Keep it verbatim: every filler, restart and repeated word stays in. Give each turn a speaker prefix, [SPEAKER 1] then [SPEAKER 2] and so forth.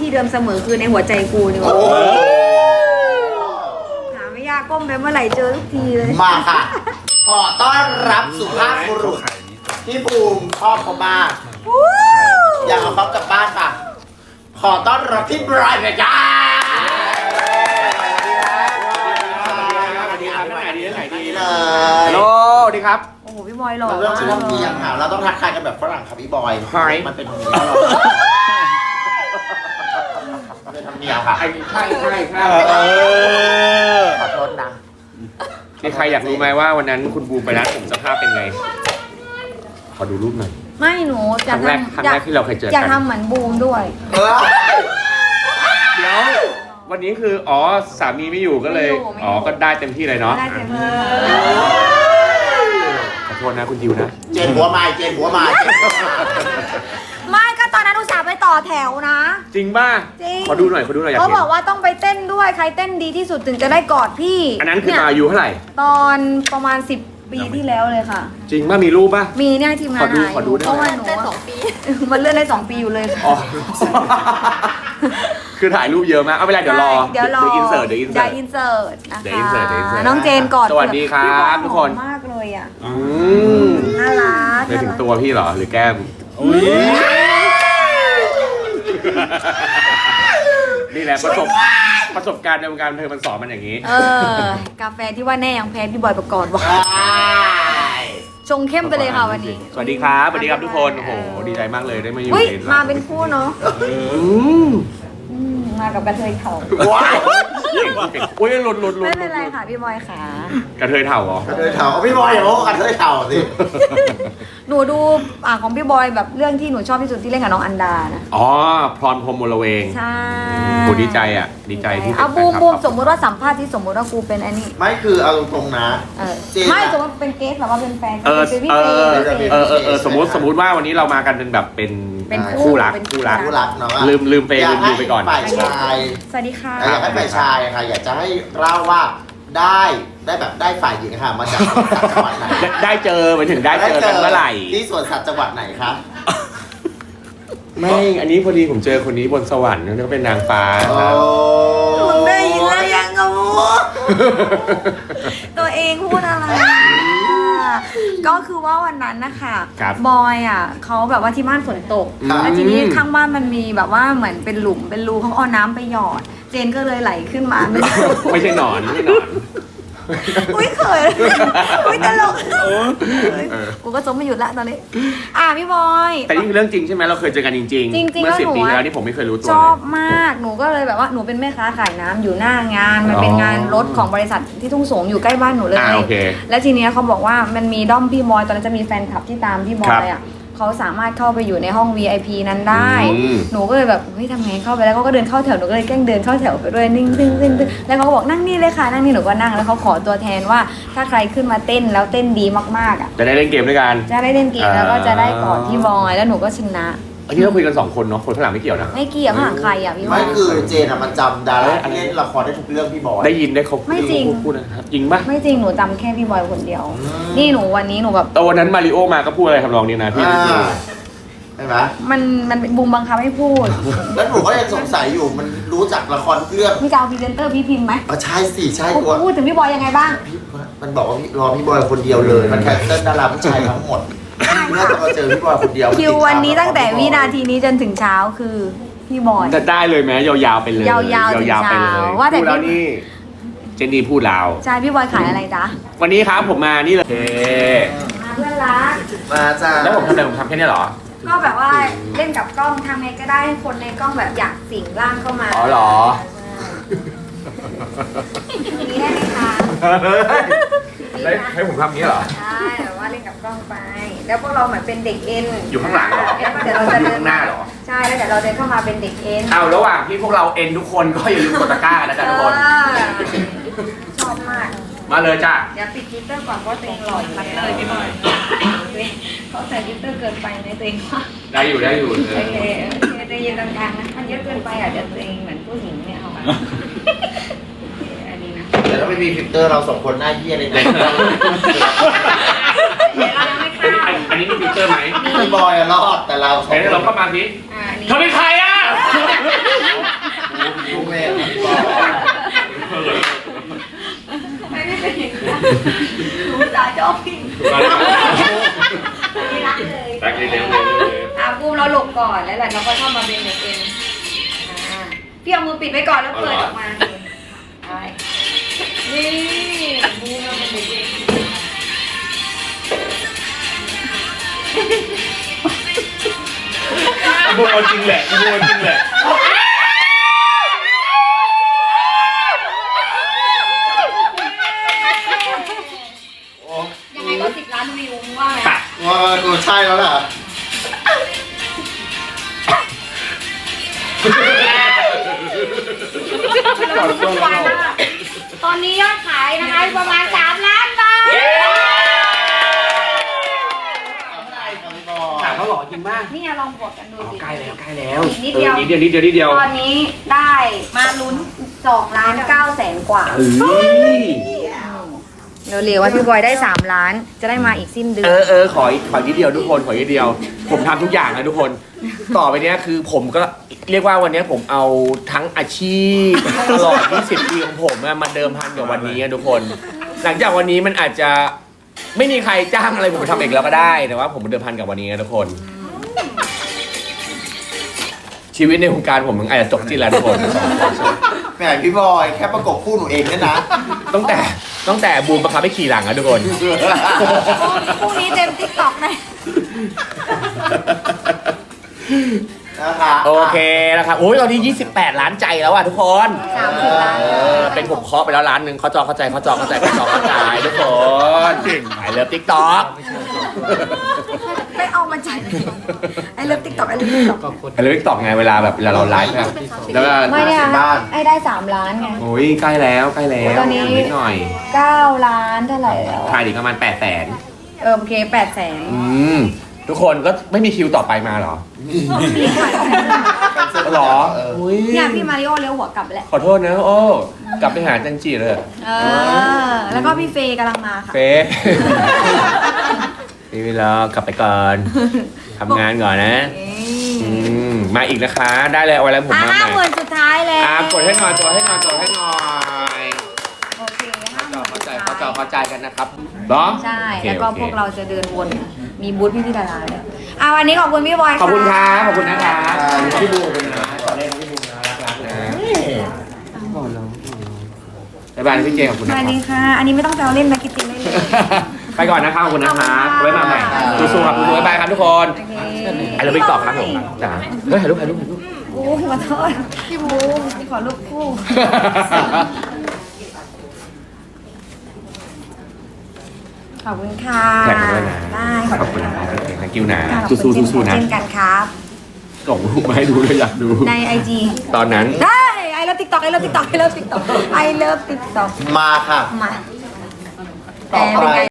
[SPEAKER 1] ที่เดิมเสมอคือในหัวใจกูนี่วะหาไม่ยากก้มไปเมื่อไหร่เจอทุกทีเลย
[SPEAKER 2] มาค่ะ ขอต้อนรับสุภาพบุรุษที่ภูมิชอบเขามากอยากเอาเขากลับบ้านค่ะขอต้อนรับพี่บรายเลยจ้า
[SPEAKER 3] ฮัลโหลสวัสดีครับ
[SPEAKER 1] โอ้โหพี่บอยหล่อ
[SPEAKER 2] เราต้อง
[SPEAKER 1] มาก
[SPEAKER 2] ชอบเมียงค่ะเราต้องทักทายกันแบบฝรั่งค่ะพี่บอยมันเป็นธรรมเนียมเป็นธรรมเนียมค่ะ
[SPEAKER 3] ใช่ใช่ใช่ใช่
[SPEAKER 2] ขอโทษนะ
[SPEAKER 3] มีใครอยากรู้ไหมว่าวันนั้นคุณบูมไปร้านผมสภาพเป็นไงขอดูรูปหน่อย
[SPEAKER 1] ไม่หนูจะทำ
[SPEAKER 3] ครั้งแรกที่เราเคยเจอกัน
[SPEAKER 1] อยากทำเหมือนบูมด้วย
[SPEAKER 3] เดี๋ยววันนี้คืออ๋อสามีไม่อยู่ก็เลยอ๋อก็ได้เต็มที่เลยเนาะ
[SPEAKER 1] ได้เต็มที่
[SPEAKER 3] ขอโทษนะคุณดิวนะ
[SPEAKER 2] เจนหัวไม้เจนหัวไม้
[SPEAKER 1] ไม่ก็ตอนนั้นอุตส่าห์ไปต่อแถวนะ
[SPEAKER 3] จริงป่ะ
[SPEAKER 1] จริง
[SPEAKER 3] ขอดูหน่อยขอดูหน่อยอยาก
[SPEAKER 1] เขา
[SPEAKER 3] เห็น
[SPEAKER 1] บอกว่าต้องไปเต้นด้วยใครเต้นดีที่สุดถึงจะได้กอดพี่
[SPEAKER 3] อันนั้นคือมาอายุเท่าไหร่
[SPEAKER 1] ตอนประมาณสิบปีที่แล้วเลยค่ะ
[SPEAKER 3] จริงป่ะมีรูปป่ะ
[SPEAKER 1] มีเนี่ยทีมงาน
[SPEAKER 3] ขอดูขอดูได้ไหม
[SPEAKER 1] เพราะว่าหนูสองปีมันเลื่อนได้สองปีอยู่เลย
[SPEAKER 3] อ๋อคือถ่ายรูปเยอะมากเอาเวลาเดี๋ยวรอ
[SPEAKER 1] เดี๋ยวรอ
[SPEAKER 3] เดี๋ยวอินเสิร์ตเดี๋ยวอินเสิร์ต
[SPEAKER 1] อินเสิร์ตนะคะ
[SPEAKER 3] เดี๋ยวอินเสิร์ตเดี๋ยวอินเสิร์ต
[SPEAKER 1] น้องเจนกอด
[SPEAKER 3] สวัสดีครับทุกคน
[SPEAKER 1] มากเลยอ่ะ
[SPEAKER 3] อืม
[SPEAKER 1] น่ารัก
[SPEAKER 3] ไปถึงตัวพี่เหรอหรือแก้มนี่แหละประสบประสบการณ์ในวงการบันเทิงมันสอนมันอย่างนี้
[SPEAKER 1] เออกาแฟที่ว่าแน่ยังแพ้พี่บอยประกอบว่ะชงเข้มไปเลยค่ะวันนี้
[SPEAKER 3] สวัสดีครับสวัสดีครับทุกคนโอ้โหดีใจมากเลยได้มาอยู่ใน
[SPEAKER 1] มาเป็นคู่เนาะมากับกระเทยเถ่า
[SPEAKER 3] ว้าวอุ้ยหลุดหลุดหลุด
[SPEAKER 1] ไม่เป็นไรค่ะพี่บอยค่ะ
[SPEAKER 3] กระเทยเถ่าเหรอก
[SPEAKER 2] ระเทยเถ่าพี่บอยอย่าบอกกระเทยเถ่าสิ
[SPEAKER 1] หนูดูอ่าของพี่บอยแบบเรื่องที่หนูชอบที่สุดที่เล่นกับน้องอันดานะ
[SPEAKER 3] อ๋อพรพรหมมลเวง
[SPEAKER 1] ใช่
[SPEAKER 3] โหดีใจอ่ะดีใจที่
[SPEAKER 1] เอาบูมบูมสมมติว่าสัมภาษณ์ที่สมมติว่ากูเป็นอันนี้
[SPEAKER 2] ไม่คือเอาตรงๆนะ
[SPEAKER 1] ไม่สมมติเป็นเกสแบบว่าเป็นแฟน
[SPEAKER 3] เออเออเออเออสมมติสมมติว่าวันนี้เรามากันเป็นแบบเป็นคู่รักคู่รัก
[SPEAKER 2] คู่รักเนาะ
[SPEAKER 3] ลืมลืมไปลืมดูไปก่อน
[SPEAKER 2] ฝ่ายชาย
[SPEAKER 1] สวัสดีค่ะ
[SPEAKER 2] อยากให้ฝ่ายชายค่ะอยากจะให้เล่าว่าได้ได้แบบได้ฝ่ายหญิงค่ะมาจากจังหวัดไหน
[SPEAKER 3] ได้เจอไปถึงได้เจอกันเมื่อไหร่
[SPEAKER 2] ที่สวนสัตว์จังหวัดไหนคะ
[SPEAKER 3] ไม่อันนี้พอดีผมเจอคนนี้บนสวรรค์เขาเป็นนางฟ้าครับ
[SPEAKER 1] มึงได้ยินแล้วยังงูตัวเองพูดอะไรก็คือว่าวันนั้นนะคะบอยอ่ะเขาแบบว่าที่บ้านฝนตกแล้วทีนี้ข้างบ้านมันมีแบบว่าเหมือนเป็นหลุมเป็นรูเขาเอาน้ำไปหยอดเจนก็เลยไหลขึ้นมาไม่
[SPEAKER 3] ไม่ใช่หนอนไม่ใช่หนอน
[SPEAKER 1] อุ้ยเขินอุ้ยตลกกูก็จมไม่หยุดละตอนนี้อ่ะพี่บอย
[SPEAKER 3] แต่นี่คือเรื่องจริงใช่ไหมเราเคยเจอกันจริงๆจริงเมื่อสิบปีแล้วนี่ผมไม่เคยรู้ตัว
[SPEAKER 1] ชอบมากหนูก็เลยแบบว่าหนูเป็นแม่ค้าขายน้ำอยู่หน้างานมันเป็นงานรถของบริษัทที่ทุ่งสงอยู่ใกล้บ้านหนูเลยแล้วทีนี้เขาบอกว่ามันมีด้อมพี่บอยตอนนั้นจะมีแฟนคลับที่ตามพี่บอยอ่ะเขาสามารถเข้าไปอยู่ในห้อง วี ไอ พี นั้นได้หนูก็เลยแบบเฮ้ยทำไงเข้าไปแล้วเขาก็เดินเข้าแถวหนูก็เลยแกล้งเดินเข้าแถวไปด้วยนิ่งๆๆๆแล้วเขาก็บอกนั่งนี่เลยค่ะนั่งนี่หนูก็นั่งแล้วเขาขอตัวแทนว่าถ้าใครขึ้นมาเต้นแล้วเต้นดีมากๆอ่ะ
[SPEAKER 3] จะได้เล่นเกมด้วยกัน
[SPEAKER 1] จะได้เล่นเกมแล้วก็จะได้กอดพี่บอยแล้วหนูก็ชนะ
[SPEAKER 3] อันนี้เราคุยกันสองคนเนาะคนข้างหลังไม่เกี่ยวนะ
[SPEAKER 1] ไม่เกี่ยวข้างหลังใครอ่ะพี่บอย
[SPEAKER 2] ไม่คือเจนอะมันจำดาราที่เล่นละครได้ทุกเรื่องพี่บอย
[SPEAKER 3] ได้ยินได้เขา
[SPEAKER 1] ไม่จริง
[SPEAKER 3] พูดนะครับจริงปะ
[SPEAKER 1] ไม่จริงหนูจำแค่พี่บอยคนเดียวนี่หนูวันนี้หนูแบบ
[SPEAKER 3] ตอนนั้นมาริโอมาก็พูดอะไรทำนองนี้นะพี่
[SPEAKER 2] ใช่ไหม
[SPEAKER 1] มันมันบูมบังคับให้พูด
[SPEAKER 2] แล้วหนูก็ยังสงสัยอยู่มันรู้จักละครทุกเรื่อง
[SPEAKER 1] มีจะเอาพรีเซนเตอร์พี่พิมพ์ไหม
[SPEAKER 2] อ๋อใช่สิใช่ตัว
[SPEAKER 1] พูดถึงพี่บอยยังไงบ้าง
[SPEAKER 2] มันบอกว่าพี่รอพี่บอยคนเดียวเลยมันแคนเซิลดาราผู้ชายทั้งหมดเมื่อมาเจอพี่บอยคนเดียว
[SPEAKER 1] คิววันนี้ตั้งแต่วินาทีนี้จนถึงเช้าคือพี่บอย
[SPEAKER 3] จะได้เลยไหมยาวๆไปเลย
[SPEAKER 1] ยาวๆถึงเช้าว่าแต่พี่
[SPEAKER 3] นี่เจนนี่พูดลาว
[SPEAKER 1] ใช่พี่บอยขายอะไรจ๊ะ
[SPEAKER 3] วันนี้ครับผมมานี่เลย
[SPEAKER 1] เพื่อนรัก
[SPEAKER 2] มาจ้า
[SPEAKER 3] แล้วผมทำอะไรผมทำแค่นี้เหรอ
[SPEAKER 1] ก็แบบว่าเล่นกับกล้องทำไงก็ได้ให้คนในกล้องแบบอยากสิงร่างเข้ามา
[SPEAKER 3] อ๋อเหรอ
[SPEAKER 1] นี่ได้ไหมคะ
[SPEAKER 3] ให้ผมทำนี้เหรอ
[SPEAKER 1] ใช่แบบว่าเล่นกับกล้องไปแล้วพวกเราเหมือนเป็นเด็กเอ็น
[SPEAKER 3] อยู่ข้างหลังเหรอ
[SPEAKER 1] แล้วเดี๋ยวเราจะเดิน
[SPEAKER 3] หน้าเหรอ
[SPEAKER 1] ใช่แล้วเดี๋ยวเราเดินเข้ามาเป็นเด็กเอ็น
[SPEAKER 3] เอาระหว่างที่พวกเราเอ็นทุกคนก็อย่าลืมกดตะกร้านะจ๊ะทุกคน
[SPEAKER 1] ชอบมาก
[SPEAKER 3] มาเลยจ้ะ
[SPEAKER 1] เดี๋ยวปิดทวิตเตอร์ก่อนเพราะตัวเองหล่ออยู่เลยพี่บอยเขาใส่ทวิตเตอร์เกินไปในตัวเองว่า
[SPEAKER 3] ได้อยู่ได้อยู่โอเค
[SPEAKER 1] โอเคจะยืนกลางๆนะมันเยอะเกินไปอ่ะเดี๋ยวตัวเองเหมือนผู้หญิงเนี่ยเอาอันนี้นะ
[SPEAKER 2] แต่ถ้าไม่มีฟิลเตอร์เราสองคนหน้าเหี้ยเลยนะ
[SPEAKER 3] อันนี้มีฟิลเตอร์ไหม
[SPEAKER 2] พี่บอยรอดแต่เรา
[SPEAKER 3] เฮ้ยเราเข้ามาสิ
[SPEAKER 1] เขา
[SPEAKER 3] เป็นใครอ่ะ
[SPEAKER 1] หนูสาชอบพี่ไม่รักเลย
[SPEAKER 3] รักเลยเร็วเลย
[SPEAKER 1] อ่ะบูมเราหลบก่อนแล้วหลังเราก็เข้ามาเป็นเด็กเองอ่าพี่เอามือปิดไว้ก่อนแล้วเปิดออกมาใช่นี่บูมเราเป็นเด็กเอง
[SPEAKER 3] โบจริงแหละโบจริงแหละ
[SPEAKER 1] ยังไงก็สิบล้านวิวว่าไง
[SPEAKER 3] ตัด
[SPEAKER 2] ว่ากูใช่แล้วล่ะ
[SPEAKER 1] ตอนนี้ยอดขายนะคะประมาณสามล้านบาท
[SPEAKER 3] ถามเขาหล่อจริงมาก
[SPEAKER 1] นี่ลองบวกกันดูสิ
[SPEAKER 3] ใกล้แล้วใกล้แล้ว
[SPEAKER 1] อีกนิดเดียว
[SPEAKER 3] นิดเดียวนิดเดียวนิดเดียว
[SPEAKER 1] ตอนนี้ได้มาลุ้นสองล้านเก้าแสนกว่า
[SPEAKER 3] เฮ้ย
[SPEAKER 1] เร็วๆว่าพี่บอยได้สามล้านจะได้มาอีกสิ้นเดื
[SPEAKER 3] เอ
[SPEAKER 1] อน
[SPEAKER 3] อเออขออีกขออีกนิดเดียวทุกคนขออีกนิดเดียว ผมทำทุกอย่างนะทุกคน ต่อไปเนี้ยคือผมก็เรียกว่าวันเนี้ยผมเอาทั้งอาชีพตลอดยี่สิบปีของผมอะมาเดิมพันกับวันนี้อะทุกคน หลังจากวันนี้มันอาจจะไม่มีใครจ้างอะไรผมไปทำเองแล้วก็ได้แต่ว่าผมเดิมพันกับวันนี้นะทุกคน ชีวิตในวงการผมมันอาจจะจบที่แล้วทุกคน
[SPEAKER 2] แหมพี่บอยแค่ประกบคู่หนูเองเนี่ยนะ
[SPEAKER 3] ตั้งแต่ตั้งแต่บูมบังคับให้ขี่หลังอะทุกคน
[SPEAKER 1] พรุ่งนี้เต็มติ๊กต็อกเลย
[SPEAKER 2] นะคะ
[SPEAKER 3] โอเคนะครับโอ้ยตอนนี้ยี่สิบแปดล้านใจแล้วอะทุกคน
[SPEAKER 1] สามสิบล้าน
[SPEAKER 3] เออเป็นผมเคาะไปแล้วล้านหนึ่งเขาจอเข้าใจเขาจอเข้าใจเขาจอเข้าใจทุกคนไปเลิฟติ๊กต็อก
[SPEAKER 1] ไม่เอามาจากไหนไอ้เลิฟติ๊กต็อกไอ้เลิฟติ๊กต็อก
[SPEAKER 3] ไปเลิฟติ๊กต็อกไงเวลาแบบเวลาเราไลฟ์อะแล้วก็
[SPEAKER 1] ไม่เนี่ยไอ้ได้สามล้านไง
[SPEAKER 3] โอ้ยใกล้แล้วใกล้แล้ว
[SPEAKER 1] ตอนนี้
[SPEAKER 3] นิดหน่อย
[SPEAKER 1] เก้าล้านเท่าไหร่แล้ว
[SPEAKER 3] ถ่ายดีประมาณแปดแสน
[SPEAKER 1] เออโอเคแปดแสน
[SPEAKER 3] อืมทุกคนก็ไม่มีคิวต่อไปมาเหรอหรออุ้ย
[SPEAKER 1] เนี่ยพี่มาริโอเลี้ยวหัวกลับไปแล้ว
[SPEAKER 3] ขอโทษนะโอ้กลับไปหาจันจีเลย
[SPEAKER 1] เออ แล้วก็พี่เฟย์กำลังมาค่ะ
[SPEAKER 3] เฟย์นี่เวลากลับไปก่อนทำงานก่อนนะ
[SPEAKER 1] เอ้
[SPEAKER 3] อื
[SPEAKER 1] ย
[SPEAKER 3] มมาอีกนะคะ ได้เลยเอาไว้แล้วผม
[SPEAKER 1] อ่ะ
[SPEAKER 3] มาให
[SPEAKER 1] ห้า
[SPEAKER 3] ม่
[SPEAKER 1] หมื่นสุดท้ายแล้ว
[SPEAKER 3] อ่ากดให้หน่อยกดให้หน่อยกดให้หน่อย
[SPEAKER 1] โอเคห้าหมื่น
[SPEAKER 3] เข้า
[SPEAKER 1] สุด
[SPEAKER 3] ใจ
[SPEAKER 1] ท้าย
[SPEAKER 3] เข้าใจเข้าใจกันนะครับเหรอ
[SPEAKER 1] ใช่
[SPEAKER 3] โอค
[SPEAKER 1] แล้วก็
[SPEAKER 3] โอค
[SPEAKER 1] พวกเราจะเดินวน มีบูธพี่พี่ดาราเลยอ่ะวันนี้ขอบคุณพี่บอย
[SPEAKER 3] ขอบคุณค
[SPEAKER 1] ค่ะ
[SPEAKER 3] รับขอบคุณนะครับพี่บูขอบคุณนะตอนแรกพี่บูนะรักรักนะบ๊ายบายพี่เจขอบคุณ
[SPEAKER 1] ส
[SPEAKER 3] นะค
[SPEAKER 1] วั
[SPEAKER 3] รั
[SPEAKER 1] ส
[SPEAKER 3] บ
[SPEAKER 1] ดีค่ะ อันนี้ไม่ต้องแซวเล่นนะคิดจริงเล่นเลย
[SPEAKER 3] ไปก่อนนะครับขอบคุณนะครับไว้มาใหม่สู้ๆครับสู้ๆบ๊ายบายครับทุกคน
[SPEAKER 1] โอเค
[SPEAKER 3] ไอ้เราไปตอบครับผมจ้าเฮ้ยถ่ายรูปถ่ายรูปถ่ายรูป
[SPEAKER 1] โอ้ขอโทษพี่บูพี่ขอรูปคู่ ขอบคุณค่ะ
[SPEAKER 3] แท็กมาด้วยนะ
[SPEAKER 1] ได้
[SPEAKER 3] ขอบคุณนะครับโอเค thank you นะ
[SPEAKER 1] ขอบคุณ
[SPEAKER 3] สู้ๆสู้ๆนะ
[SPEAKER 1] เช่นกันครับ
[SPEAKER 3] ส่งรูปมาให้ดูด้วยอยากดู
[SPEAKER 1] ในไอจี
[SPEAKER 3] ตอนนั้น
[SPEAKER 1] ได้ไอเลิฟติ๊กต็อกไอเลิฟติ๊กต็อกไอเลิฟติ๊กต็อกไอเลิฟติ๊กต็อก
[SPEAKER 2] มาค่ะ
[SPEAKER 1] มา
[SPEAKER 2] ตอบอะไร
[SPEAKER 1] แต่เป็นไง